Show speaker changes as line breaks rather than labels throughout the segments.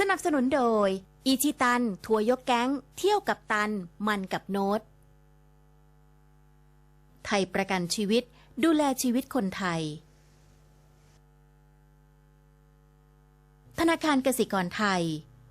นับสนุนโดยอิชิตันทัวร์ยกแก๊งเที่ยวกับตันมันกับโน้ตไทยประกันชีวิตดูแลชีวิตคนไทยธนาคารกสิกรไทย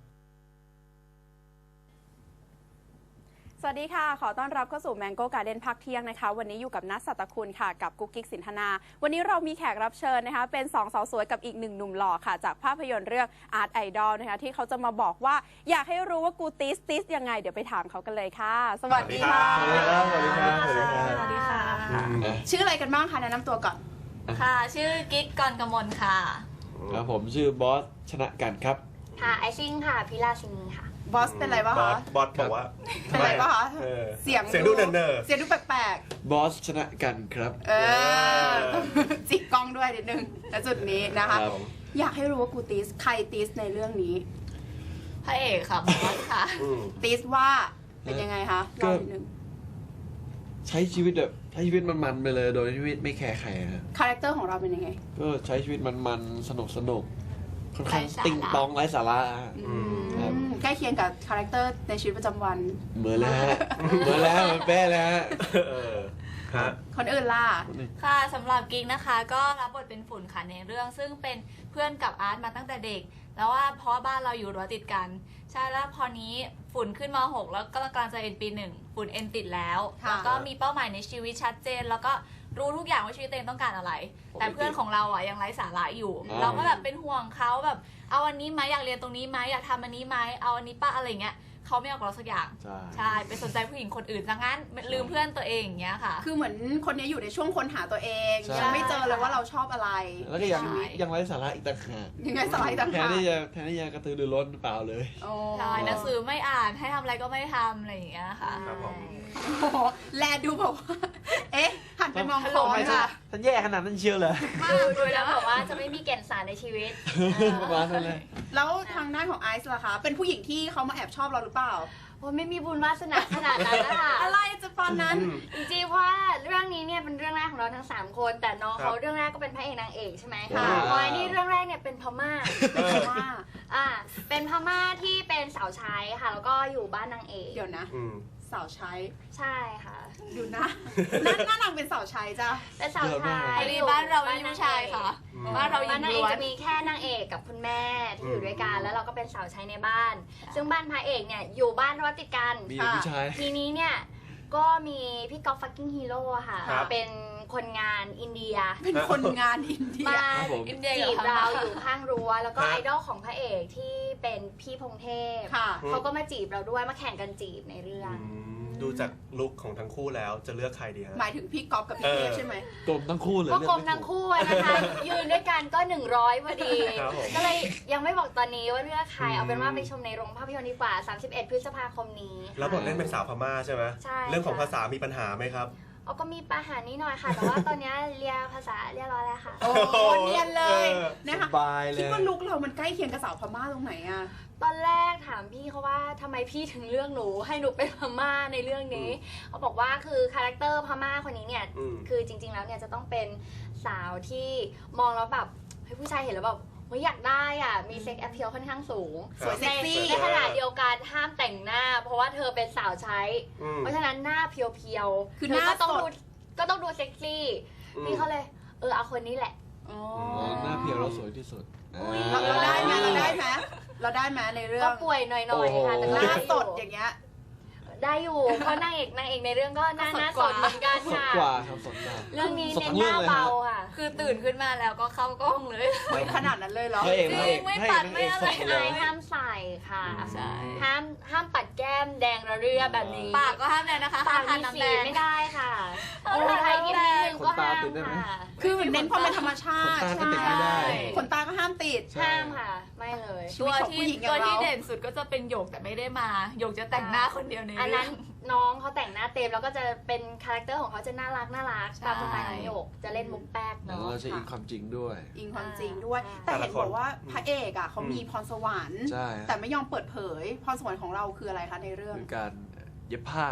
สวัสดีค่ะขอต้อนรับเข้าสู่ Mango Garden พักเที่ยงนะคะวันนี้อยู่กับนัทสัตคุณค่ะกับกุ๊กกิ๊กสินธนาวันนี้เรามีแขกรับเชิญนะคะเป็น2 สาวสวยกับอีก1 หนุ่มหล่อค่ะจากภาพยนตร์เรื่อง Art Idol นะคะที่เขาจะมาบอกว่าอยากให้รู้ว่ากูติสยังไงเดี๋ยวไปถามเขากันเลยค่ะสวัสดีค่ะ
สวัสดีครับสวัสดีครับ
สวัสดีค่ะชื่ออะไรกันบ้างคะแนะนำตัวก่อน
ค่ะชื่อกิ๊กกรกมลค่ะ
ครับผมชื่อบอสชนะกันครับ
ค่ะไอซิ่งค่ะพิลาซินีค่ะ
บอสเป็นไรบ้าง
บอ
คะ
สบอกว่า
เป็นไรบ้างคะ
เออ
เสียง
ดูเนิร์
เสียงดูแปลก
บอสชนะกันครับ
ๆจิกกล้องด้วยนิดนึงณจุดนี้นะคะ
ครับ
อยากให้รู้ว่ากูติสใครติสในเรื่องนี้
พระเอกค่ะบอสค่ะ
ติสว่าเป็นยังไงคะ
ก็
เล่านิดนึง
ใช้ชีวิตแบบใช้ชีวิตมันๆไปเลยโดยที่ไม่แคร์ใครนะ
คาแรคเตอร์ของเราเป็นยังไง
ก็ใช้ชีวิตมันๆสนุกค่อนข้าง
ไร้สาระ
ติงตองไร้สาระ ครับ
ใกล้เคียงกับคาแรคเตอร์ในชีวิตประจำวัน
เหมือนแล้วฮะเหมือนแล้วเหมือนแป้แล้วฮะ
เออฮะ
คนอื่นล่ะ
ค่ะสำหรับกิ๊กนะคะ ก็รับบทเป็นฝุ่นค่ะในเรื่อง ซึ่งเป็นเพื่อนกับอาร์ตมาตั้งแต่เด็ก แล้วว่าเพราะว่าบ้านเราอยู่รั้วติดกัน ใช่แล้วพอนี้ฝุ่นขึ้นม .6 แล้วก็กำลังจะเอ็นปี 1ฝุ่นเอ็นติดแล้ว
ค่ะ
แล้วก็มีเป้าหมายในชีวิตชัดเจน แล้วก็รู้ทุกอย่างว่าชีวิตตัวเองต้องการอะไร แต่เพื่อนของเราอ่ะยังไร้สาระอยู่ เราก็แบบเป็นห่วงเขาแบบเอาอันนี้ไหมอยากเรียนตรงนี้ไหมอยากทำอันนี้ไหมเอาอันนี้ป้าอะไรเงี้ยเขาไม่เอากับเราสักอย่าง
ใช่
ใช่ไปสนใจผู้หญิงคนอื่นซะงั้นลืมเพื่อนตัวเองอย่างเงี้ยค่ะ
คือเหมือนคนนี้อยู่ในช่วงค้นหาตัวเอง
ใช่
ยังไม่เจอเลยว่าเราชอบอะไร
แล้วก็ยัง
ใช่
ยังไร้สาระอีกต่างหาก
ยังไงสไลด์ต่าง
แทน
หาก
ที่จะกระตือรือร้นเปล่าเลย
โอ้
ใช่หนังสือไม่อ่านให้ทำอะไรก็ไม่ทำอะไรอย่างเงี้ยค่ะ
ครับผม
โอ้โหแลดูแบบว่า เอ๊ะ หันไปมองคอ
ทำไม
ค่ะ
ฉันแย่ขนาดนั้นเชียวเหรอ
ดูแล้วแบบว่าจะไม่มีแก่นสารในชีวิต
ประมาณนั้นเลย
แล้วทางด้านของไอซ์ล่ะคะ เป็นผู้หญิงที่เขามาแอบชอบเราหรือเปล่า
โอ้ไม่มีบุญวาสนาขนาดนั้นนะคะ
อะไรจะปานนั้น
จริงๆเพราะว่าเรื่องนี้เนี่ยเป็นเรื่องแรกของเราทั้ง 3 คน แต่น้อง
ครั
เขา
บ
เรื่องแรกก็เป็นพระเอกนางเอกใช่ไหม
ค่ะ
พอยนี่เรื่องแรกเนี่ยเป็นพม่า
ว่า
เป็นพม่าที่เป็นสาวใช้ค่ะ แล้วก็อยู่บ้านนางเอก
เดี๋ยวนะ
อืม
สาวใช้
ใช่ค่ะ
ดูนะหน้านางเป็นสาวใช้จ้ะ
เป็นสาวใช้
พอดีบ้านเราไม่มีผู้ชายค่ะ บ้านเราหญิ
บ้าน
ง
นางเอ
ล้
ก
วน
จะมีแค่นางเอกกับคุณแม่ที่อยู่ด้วยกันแล้วเราก็เป็นสาวใช้ในบ้าน ซึ่งบ้านพระเอกเนี่ยอยู่บ้านรั้วติดกัน
มีแต่ผู้ชาย
ทีนี้เนี่ยก็มีพี่ก๊อฟฟักกิ้งฮีโร่ค่ะ
ครับ
เป็นคนงานอินเดีย
เป็นคนงานอินเดีย
มา
ครับผม
อินเดีย
จี
กับบ พม่า
เราอยู่ข้างรั้วแล้วก็
ฮะ
ไอดอลของพระเอกที่เป็นพี่พงเทพ
ค่ะ
เขาก็มาจีบเราด้วยมาแข่งกันจีบในเรื่อง
ดูจากลุคของทั้งคู่แล้วจะเลือกใครดีฮะ
หมายถึงพี่ก๊อฟกับพี่เทพใช่ไหม
กลมทั้งคู่เลย
ก็
เลื
กล
อ
ม
ไถู
ทั้งคู่อะนะคะ ยืนด้วยกันก็100พอดี
ครับผม
ก็เลยยังไม่บอกตอนนี้ว่าเลือกใครเอาเป็นว่าไปชมในโรงภาพยนตร์ดีกว่า 31 พฤษภาคมนี้ค่ะ
แล้วบทเล่นเป็นสาวพม่าใช่ไหม
ใช่
เรื่องของ
ค่ะ
ภาษามีปัญหาไหมครับ
เอาก็มีปัญหานิดหน่อยค่ะ แต่ว่าตอนนี้เรียนภาษาเรียบร้อยแล้วค่ะ
โอ้เนียนเลย
เออ
นะคะ
สบายเล
คิด
ย
ว่าลุกเรามันใกล้เคียงกับสาวพม่าตรงไหนอะ
ตอนแรกถามพี่เขาว่าทำไมพี่ถึงเลือกหนูให้หนูเป็นพม่าในเรื่องนี้เขาบอกว่าคือคาแรคเตอร์พม่าคนนี้เนี่ย
อืม
คือจริงๆแล้วเนี่ยจะต้องเป็นสาวที่มองแล้วแบบเฮ้ยผู้ชายเห็นแล้วแบบเฮ้ยอยากได้อ่ะมีเซ็กแอพเพียลค่อนข้างสูง
สวยเซ็กซี่
ในขณะเดียวกันห้ามแต่งหน้า เพราะว่าเธอเป็นสาวใช้
อืม
เพราะฉะนั้นหน้าเพียวๆ
คือหน้า
เธก็ต้อง
สด
ดูก็ต้องดูเซ็กซี่พี่เขาเลยเอาคนนี้แหละ
อ๋อ
อ๋อหน้าเพียวเราสวยที่สุด
อุ๊ย
เราได้ไหมเราได้ไหมเราได้ไหมในเรื่อ
ก็
ง
ป่วยหน่อยๆค่ะแต่
ห
ก็
น้า
ได้
ส
อยู่
ดอย่างเงี้ย
ได้อยู่เพราะนางเอกในเรื่องก็หน้า
ก็สด
หน้าก ส
ว่า
ดเหมือนกัน
สด
ค่ะ
กว่าครับสดกว่า
เรื่องนี้
สด
เน้น
ทั้ง
ห
เรื่อ
น้าง
เลย
เบา
ฮะ
ค่ะ
คือตื่นขึ้นมาแล้วก็เข้ากล้องเลย
เฮ้ยขนาดนั้นเลยเหรอ
พระเอก
จริง
พระเอก
ไม่
พระเอก
ปัด
นาง
ไม่
เอก
อะไร
สดหมดเล
อาย ยห้ามใส่ค่ะ
ใช่
ห้ามปัดแก้มแดงระเรื่อแบบนี้
ปากก็ห้ามเลยนะคะ
ปาก
ห้าม
มี
ทานน้ำ
สี
แดง
ไม่ได้ค่ะ
เอา
โอ้
ทา
ไทย
น้ำ
นิด
แด
นึ
ง
งก็ห้าม
ขนตาติดได้ไหม
ค่ะ
คือเน้นความเป็นธรรมชาติ
ขนตาก็ติดไม่ได้
ขนตาก็ห้ามติด
ห้ามค่ะ ไม่เลย
ชีวิตของผู้หญิงอย่าง
ตัว
เรา
ที่เด่นสุดก็จะเป็นหยกแต่ไม่ได้มาหยกจะแต่งหน้าคนเดียวใน
อัน
เรื่
นั้
อน ง
น้องเขาแต่งหน้าเต็มแล้วก็จะเป็นคาแรคเตอร์ของเขาจะน่ารักตามสไตล์น้องหยกจะเล่นมุกแป๊ก
แล้ว
เนาะ
เราจะอิงความจริงด้วย
อิงความจริงด้วย
อ่า
แต่เห็นบอกว่าพระเอกอ่ะเขามีพรสวรรค์
ใช่
แต่ไม่ยอมเปิดเผย พรสวรรค์ของเราคืออะไรคะในเรื่อง
คือการเย็บผ้า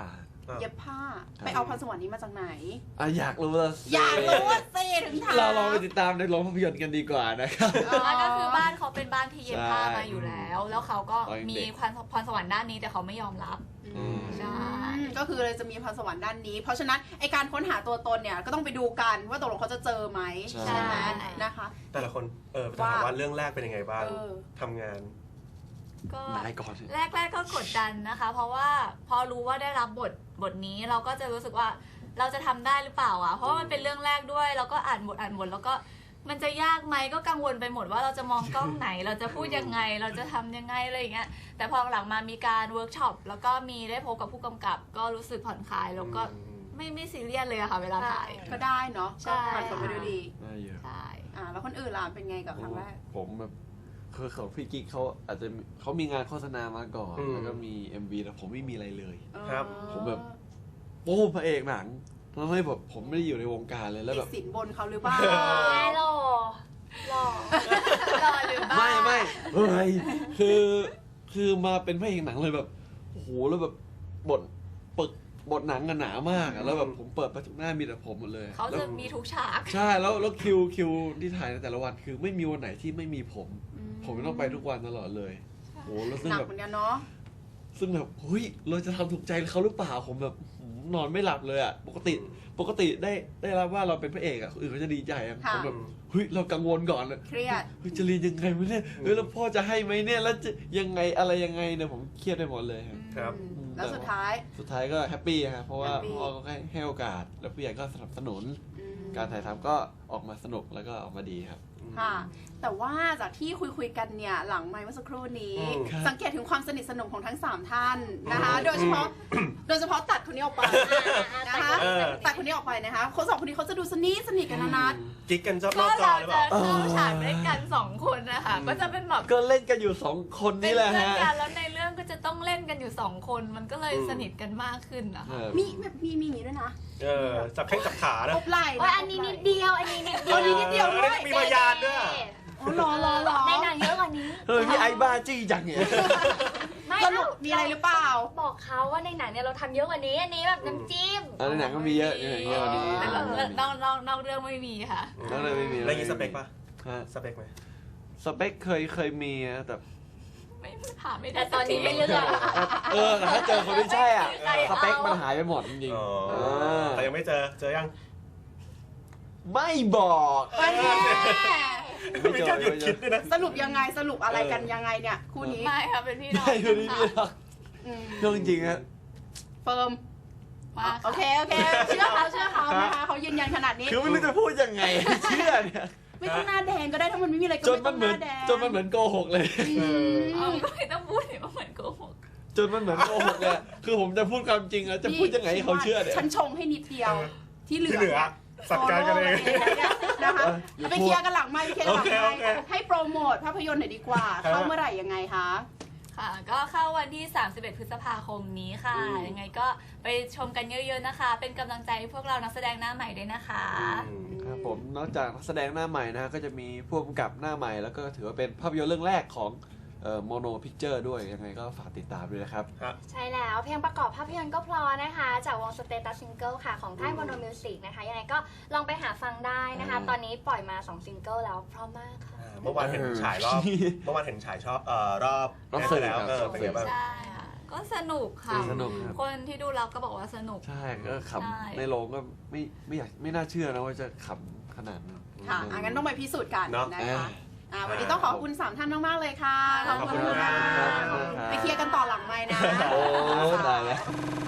เย็บผ้าไปเอาพรสวรรค์นี้มาจากไหน
อยากรู้ละ
อยากรู้ว่าสิถึงถาม
เราลองไปติดตามในโรงภาพยนตร์กันดีกว่านะครับ
แล้วก็คือบ้านเขาเป็นบ้านที่เย็บผ้า
ใช่
มาอยู่แล้ว แล้วเขาก็
ตอนเด็ก
มีพรสวรรค์ด้านนี้แต่เขาไม่ยอมรับ ใช่
ก็คือเลยจะมีพรสวรรค์ด้านนี้ เพราะฉะนั้นไอการค้นหาตัวตนเนี่ยก็ต้องไปดูกันว่าตกลงเขาจะเจอไหม
ใช่
ไหมนะคะ
แต่ละคนถามว่าเรื่องแรกเป็นยังไงบ้าง
เออ
ทำงาน
ก็
นายก่อน
แรกๆก็กดดันนะคะ เพราะว่าพอรู้ว่าได้รับบทนี้เราก็จะรู้สึกว่าเราจะทำได้หรือเปล่าอ่ะเพราะว่ามันเป็นเรื่องแรกด้วยแล้วก็อ่านบทแล้วก็มันจะยากไหมก็กังวลไปหมดว่าเราจะมองกล้องไหน เราจะพูดยังไงเราจะทำยังไงอะไรอย่างเงี้ยแต่พอหลังมามีการเวิร์กช็อปแล้วก็มีได้พบกับผู้กำกับ ก็รู้สึกผ่อนคลายแล้วก็ไม่ซีเรียสเลยอะค่ะเวลาถ่าย
ก็ได้เนาะ
ใช่
ก็ผ่านผลไปด้วยดี
ได้เยอะ
ใช่
แล้วคนอื่นล่ะเป็นไงกับครั้งแรก
ผมแบบคือของพี่กิ๊กเขาอาจจะเขามีงานโฆษณามาก่อน
อืม
แล้วก็มี MV แต่ผมไม่มีอะไรเลย
ครับ
ผมแบบ โอ้พระเอกหนังทำให้แบบผมไม่ได้อยู่ในวงการเลยแล้ว
ติ
แบ
ด
บ
สินบนเขาหรือเปล่า
แม่หล่อ
รอหรือบ้า
ไม่เฮ้ยคือมาเป็นพระเอกหนังเลยแบบโอ้โหแล้วแบบบทบทหนังกันหนามากอะแล้วแบบผมเปิดไปทุกหน้ามีแต่ผมหมดเลย
เขา
แล้ว
จะมีทุกฉาก
ใช่แล้วคิวที่ถ่ายในแต่ละวันคือไม่มีวันไหนที่ไม่มีผม ผมต้องไปทุกวันตลอดเลยโอ้โหแล้วซึ่ง
หนัก
แบบ
เหมือนกันเนาะ
ซึ่งแบบเฮ้ยเราจะทำถูกใจเขาหรือเปล่าผมแบบนอนไม่หลับเลยอ่ะปกติได้รับว่าเราเป็นพระเอกอ่ะคนอื่นเขาจะดีใจอ่ะ
ค่ะ
ผมแบบเฮ้ยเรากังวลก่อนเลย
เครียด
เฮ้ยจะเรียนยังไงวะเนี่ยเฮ้ยแล้วพ่อจะให้ไหมเนี่ยแล้วจะยังไงอะไรยังไงเนี่ยผมเครียดไปหมดเลยครับ
ครับ
แล้วสุดท้าย
สุดท้ายก็แฮปปี้ฮะเพราะว่า
แฮปปี้
พ่อก็ให้โอกาสแล้วผู้ใหญ่ก็สนับสนุน
อืม
การถ่ายทำก็ออกมาสนุกแล้วก็ออกมาดีครับ
ค่ะ แต่ว่าจากที่คุยกันเนี่ยหลังไมค์เมื่อสักครู่นี้
อืม
ครับ
สังเกตถึงความสนิทสนมของทั้ง 3 ท่านนะคะ โดยเฉพาะตัดคนนี้ออกไปนะคะ
เออ
ตัดคนนี้ออกไปนะคะคนสองคนนี้เขาจะดูสนิทกันนะนัด
กิ๊กกันชอบน
ก็
อกจอ
เรา
หรือเป
จะ
ล่า
เข้าฉากด้วยกัน2 คนนะคะก็จะเป็นแบบ
ก็เล่นกันอยู่สองคน
เป็น
นี่แหละ
เพื่อน
ฮะ
กันแล้วในเรื่องก็จะต้องเล่นกันอยู่2 คนมันก็เลย
อืม
สนิทกันมากขึ้นนะคะ
มีอย่างนี้ด้วยนะ
จับแข้งจับขานะ
อบไหล่
ว่าอันนี้นิดเดียว อันนี้นิดเดียว
อันนี้นิดเดียวด้วย
มีพยานด้วย
โอ้รอ
ในหนังเยอะกว่านี้
เฮ้ยพี่ไอ้บ้าจี้จังเนี่ย
ไม่
สรุปมีอะไรหรือเปล่า
บอกเขาว่าในหนังเนี่ยเราทำเยอะกว่านี้ อันนี้แบบน้ำจิ้ม
ในหนังก็มีเยอะในหนังเยอะกว่านี้
แต่นอกเรื่องไม่มีค่ะ
แล้วเลยไม่มี
แล้วยี่สเปคปะ
ฮะ
สเปคไหม
สเปคเคยมีนะแต่
ไม่ผ่านไม่ได้
แต่ตอนนี้ไม่เลือก
แต่ถ้าเจอคนที่ใช่อ่ะ
ใครเอา
สเปคมันหายไปหมดจริง
อ๋อ
ๆ
แต่ยังไม่เจอยัง
ไม่บอก ไม่
มี
เจอ
การหยุด
ไม่เจ
คิ
อ
ดด้วยนะ
สรุปยังไงสรุปอะไรกันยังไงเนี่ยคู่นี้
ไม่ค่ะเป็นพี่น้อง
ใช่คนนี้
กั
พี่
น
หรอก
อืม
เรื่องจริงๆฮะ
เฟิร์ม
มา
โอเคเชื่อเขานะคะเขายืนยันขนาดนี้
คือไม่รู้จะพูดยังไงเชื่อเนี่ย
ไม่ต้องหน้าแดงก็ได้ถ้ามันไม่มีอะไรก็
จน
ไม่
มั
ต้
น
อง
เห
ห
มือน
น้าแดง
จนมันเหมือนโกหกเลย
เอาก็ไม่ต้องพูดเนี่ยว่าเหมือนโกหก
จนมันเหมือนโกหกเลยคือผมจะพูดความจริงอะจะพูดยังไงให้เขาเชื่อเนี่ย
ฉันชงให้นิดเดียว ที่เหลื
ที่
อ
เหลือจัดการกันเอง
นะคะ
อย่า
ไป
พูด
เคลียร์กันหลังไม่เคลียร์กันหลัง
โอ
ไม่
เค
ให้โปรโมทภาพยนตร์หน่อยดีกว่า เข้าเมื่อไหร่ยังไงคะ
ค่ะ ก็เข้าวันที่ 31 พฤษภาคมนี้ค่ะ ยังไงก็ไปชมกันเยอะๆนะคะ เป็นกำลังใจให้พวกเรานักแสดงหน้าใหม่ด้วยนะคะ
ครับผมนอกจากนักแสดงหน้าใหม่นะฮะก็จะมีผู้กำกับหน้าใหม่แล้วก็ถือว่าเป็นภาพยนตร์เรื่องแรกของโมโนพิกเจอร์ด้วยยังไงก็ฝากติดตามด้วยนะครับ
ใช่แล้วเพลงประกอบภาพยนตร์ก็เพลอนะคะ จากวง Status Single ค่ะ ของค่าย Mono Music นะคะ ยังไงก็ลองไปหาฟังได้นะคะ ตอนนี้ปล่อยมา2ซิงเกิลแล้วเพราะมากค่ะ
เมื่อวานเห็นฉายรอบรอบ
รอบสื่อ
แล้ว
ครับ
เป็นไงบ้าง
ใช่ค่ะ ก็สนุกค่ะ
สนุกครับ
คนที่ดูเราก็บอกว่าสนุก
ใช่ก็ข
ใช่
ำในโรงก็ไม่น่าเชื่อนะว่าจะขำขนาดนั้น
ค่ะงั้นต้องไปพิสูจน์กัน
เนอะ
นะคะวันนี้ต้องขอบคุณ3ท่านมากๆเลยค่ะ
ขอบคุณ
ค่ะ
ครับ
ไปเคลียร์กันต่อหลังไมค์นะ
โอ้